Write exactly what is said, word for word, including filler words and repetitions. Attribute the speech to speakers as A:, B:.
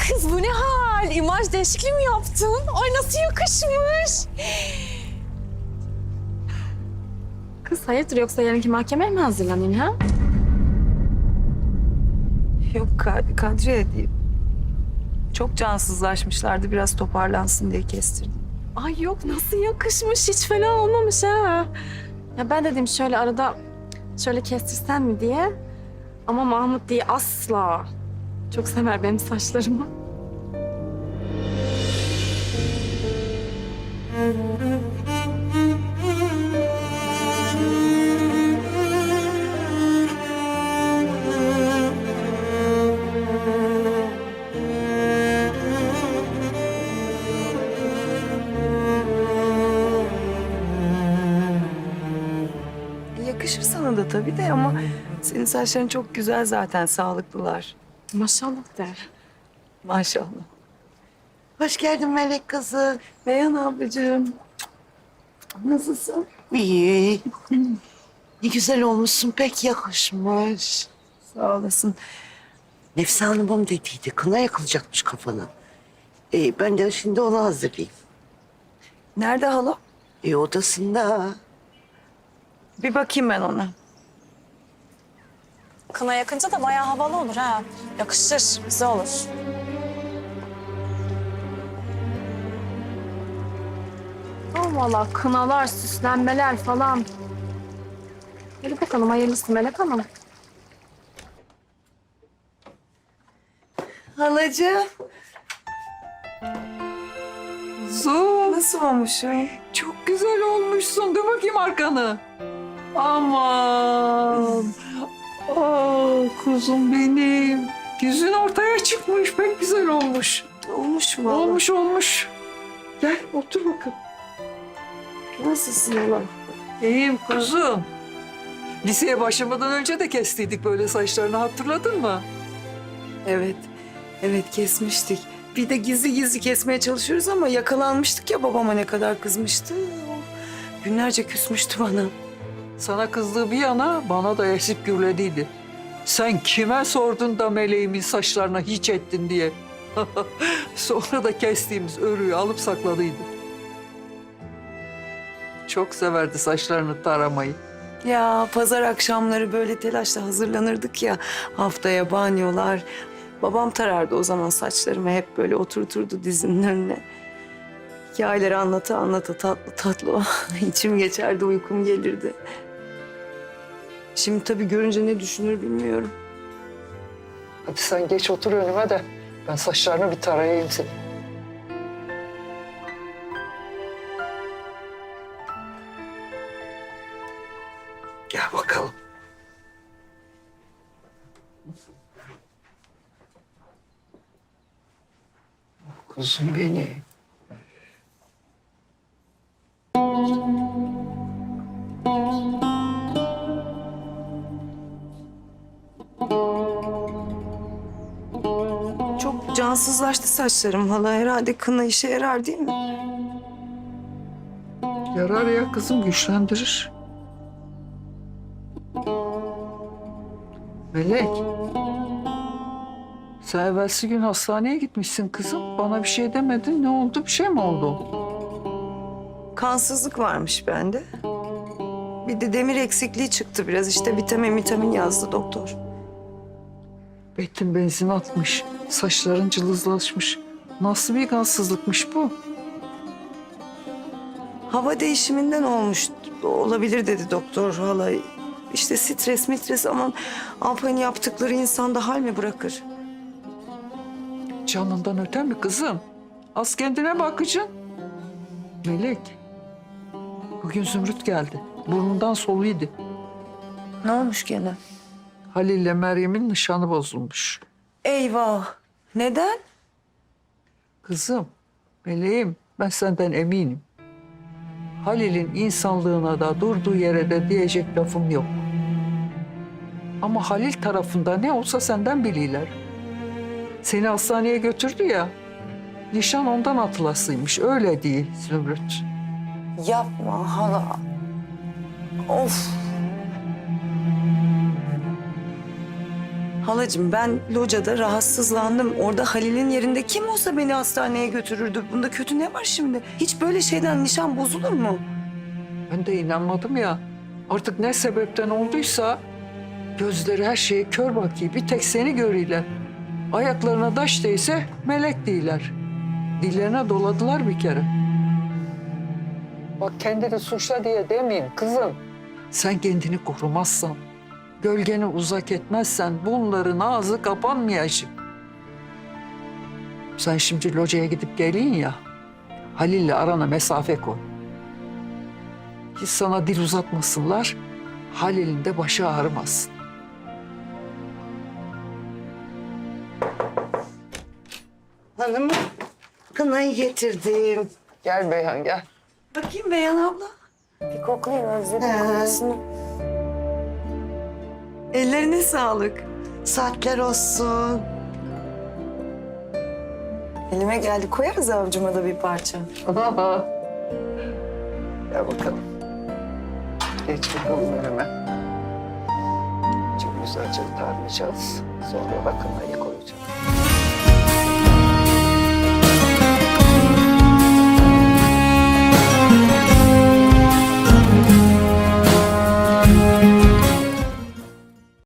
A: Kız bu ne hal? İmaj değişikliği mi yaptın? Ay nasıl yakışmış. Kız hayırdır yoksa yarınki mahkemeye mi hazırlanayım ha?
B: Yok Kad- Kadriye değil. Çok cansızlaşmışlardı. Biraz toparlansın diye kestirdim.
A: Ay yok nasıl yakışmış. Hiç fena olmamış ha. Ya ben dedim şöyle arada şöyle kestirsen mi diye. Ama Mahmut diye asla. Çok sever benim saçlarımı.
B: Yakışır sana da tabii de ama senin saçların çok güzel zaten, sağlıklılar.
A: Maşallah der.
B: Maşallah.
C: Hoş geldin Melek kızı.
B: Beyhan ablacığım. Nasılsın?
C: İyi. Ne güzel olmuşsun, pek yakışmış.
B: Sağ olasın.
C: Nefse Hanım'ım dediydi, kına yakılacakmış kafana. Ee, ben de şimdi onu hazırlayayım.
B: Nerede hala?
C: E, odasında.
B: Bir bakayım ben ona.
A: Kına yakınca da bayağı havalı olur ha. Yakışır, güzel olur. Oh valla kınalar, süslenmeler falan. Hadi bakalım hayırlısı Melek Hanım.
B: Halacığım. Su. Nasıl olmuşum?
D: Çok güzel olmuşsun. Dur bakayım arkanı. Aman. Ah kuzum benim. Yüzün ortaya çıkmış. Pek güzel olmuş.
B: Olmuş mu?
D: Olmuş olmuş. Gel otur bakalım.
B: Nasılsın hala?
D: İyiyim kuzum. Liseye başlamadan önce de kestiydik böyle saçlarını, hatırladın mı?
B: Evet. Evet kesmiştik. Bir de gizli gizli kesmeye çalışıyoruz ama yakalanmıştık ya, babama ne kadar kızmıştı. Günlerce küsmüştü bana.
D: Sana kızdığı bir yana bana da esip gürlediydi. Sen kime sordun da meleğimin saçlarına hiç ettin diye. Sonra da kestiğimiz örüyü alıp sakladıydı. Çok severdi saçlarını taramayı.
B: Ya pazar akşamları böyle telaşla hazırlanırdık ya, haftaya banyolar. Babam tarardı o zaman saçlarımı, hep böyle oturturdu dizinin önüne. Hikayeleri anlata anlata tatlı tatlı içim geçerdi, uykum gelirdi. Şimdi tabii görünce ne düşünür bilmiyorum.
D: Hadi sen geç otur önüme de ben saçlarını bir tarayayım senin.
C: Gel bakalım.
D: Kuzum beni.
B: Çok cansızlaştı saçlarım hala, herhalde kına işe yarar değil mi?
D: Yarar ya kızım, güçlendirir. Melek. Sen evvelsi gün hastaneye gitmişsin kızım. Bana bir şey demedin. Ne oldu? Bir şey mi oldu?
B: Kansızlık varmış bende. Bir de demir eksikliği çıktı biraz, işte vitamin vitamin yazdı doktor.
D: Betin benzin atmış. Saçların cılızlaşmış. Nasıl bir kansızlıkmış bu?
B: Hava değişiminden olmuş olabilir dedi doktor hala. İşte stres mitres, aman Alpay'ın yaptıkları insanda hal mi bırakır?
D: Canından öte mi kızım? Az kendine bakacaksın. Melek. Bugün Zümrüt geldi. Burnundan soluydu.
B: Ne olmuş gene?
D: Halil'le Meryem'in nişanı bozulmuş.
B: Eyvah. Neden?
D: Kızım, meleğim, ben senden eminim. Halil'in insanlığına da durduğu yere de diyecek lafım yok. Ama Halil tarafında ne olsa senden biliyorlar. Seni hastaneye götürdü ya, nişan ondan atılasıymış, öyle değil Zümrüt.
B: Yapma hala. Of. Halacığım ben locada rahatsızlandım. Orada Halil'in yerinde kim olsa beni hastaneye götürürdü. Bunda kötü ne var şimdi? Hiç böyle şeyden nişan bozulur mu?
D: Ben de inanmadım ya. Artık ne sebepten olduysa gözleri her şeye kör bakıyor. Bir tek seni görüyorlar. Ayaklarına taş değse melek değiller. Dillerine doladılar bir kere. Bak kendini suçla diye demeyeyim kızım. Sen kendini korumazsan, gölgeni uzak etmezsen bunların ağzı kapanmayacak. Sen şimdi locaya gidip gelin ya, Halil'le arana mesafe koy. Hiç sana dil uzatmasınlar, Halil'in de başı ağrımasın.
C: Hanımım, kınayı getirdim.
D: Gel Beyhan gel.
B: Bakayım Beyhan abla.
A: Bir koklayayım özledim
C: He.
A: kokusunu.
B: Ellerine sağlık.
C: Saatler olsun.
B: Elime geldi. Koyarız avcuma da bir parça.
D: Gel bakalım. Geç bakalım önüme. Çok güzelce tarlayacağız. Sonra bakın ayı koyacağım.